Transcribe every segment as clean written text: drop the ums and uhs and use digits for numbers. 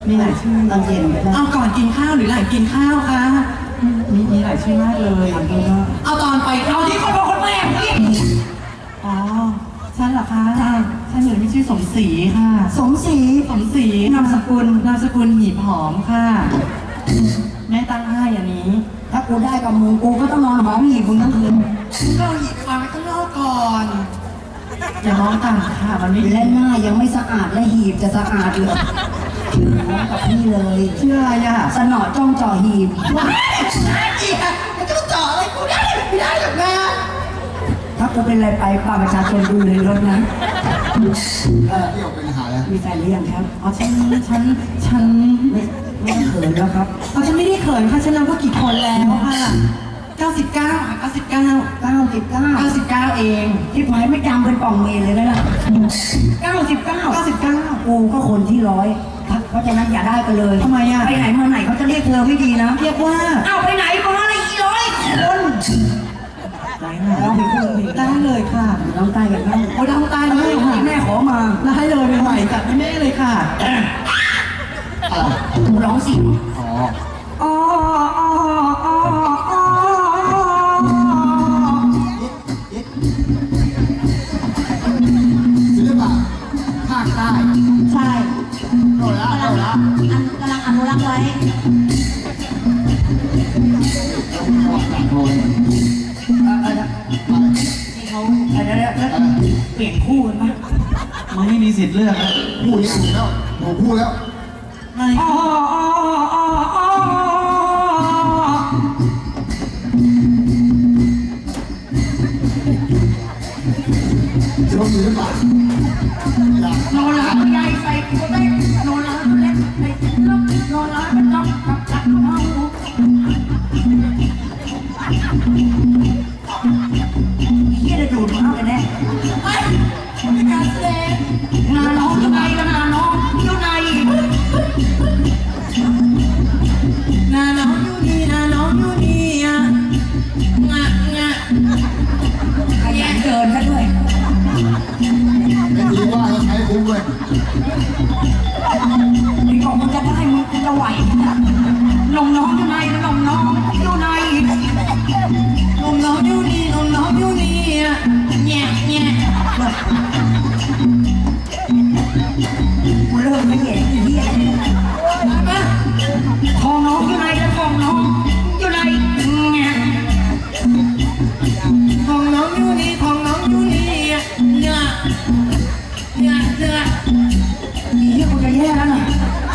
มีหลายชื่อตอนเย็นเอาก่อนกินข้าวหรือหลังกินข้าวคะมีหลายชื่อมากเลยเอาตอนไปเอาที่คนบอกคนแม่พี่อ๋อฉันเหรอคะฉันเหนือมีชื่อสมศรีค่ะสมศรีนามสกุลหีบหอมค่ะแม่ตั้งให้อันนี้ถ้ากูได้กับมึงกูก็ต้องนอนหอมหีบมึงทั้งคืนก็หีบฟังข้างนอกก่อนอย่ามองต่ำค่ะมันไม่และหน้ายังไม่สะอาดและหีบจะสะอาดเลยน้องกับพี่เลยชื่ออะไรอ่ะสนอจ้องจ่อหีบว้ายอีกอ่ะมันจะจ่ออะไรกูได้ไม่ได้หรอกนะถ้ากูเป็นอะไรไปป้าประชาชนดูเลยรถนะเที่ยวเป็นอาหารแล้วมีแฟนหรือยังครับอ๋อฉันไม่เขินแล้วครับอ๋อฉันไม่ได้เขินค่ะฉันนับว่ากี่คนแล้วค่ะ99เองที่หมายไม่จำเป็นป่องเมนเลยนะ99กูก็คนที่100เพราะฉะนั้นอย่าได้กันเลยทำไมอ่ะไปไหนมาไหนเขาจะเรียกเธอไม่ดีนะเรียกว่าเอาไปไหนมาอะไร100 คนไหนเราไปพูดได้เลยค่ะน้องใต้กันบ้างโอ้น้องใต้เลยค่ะแม่ขอมาได้เลยใหม่จัดให้แม่เลยค่ะร้องสิอ๋อศิลปะภาคใต้ใช่โดนละกำลังอนุรักษ์ไว้ที่เขาเปลี่ยนคู่กันปะไม่มีสิทธิ์เลือกนะพูดนี้ถูกแล้วหนูพูดแล้วชมศิลปะนอนหลับใหญ่ใส่ตัวเล็กนอนหลับเล็กใส่ล็อกนอนหลับเป็นล็อกกับเมาเยี่ยจะดูดมากเลยแน่เป็นการแสดงนาน้องอยู่ไหนกันนาน้องอยู่ไหนนาน้องอยู่นี่อ่ะงะขยันเดินซะด้วยไม่ดีว่าเราใช้คุ้มเลยนี่บอกมึงจะได้มึงจะไหวนมน้องอยู่ไหนนมน้องอยู่ไหนนมน้องอยู่นี่อ่ะแง่กูเริ่มไม่เห็นอีเหี้ยทองน้องอยู่ไหนทองน้องอยู่ไหนเนี่ยทองน้องอยู่นี่อ่ะเนื้ออีเหี้ยกูจะแย่แล้วนะ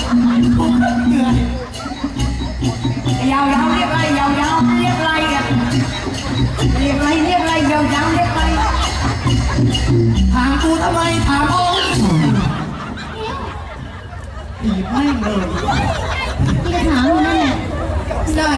ยาวเรียบไรยาวเรียบไรอ่ะเรียบไรยาวเรียบไรถามกูทำไมถามองตีไม่เลยที่จะถามอยู่นั่นแหละได้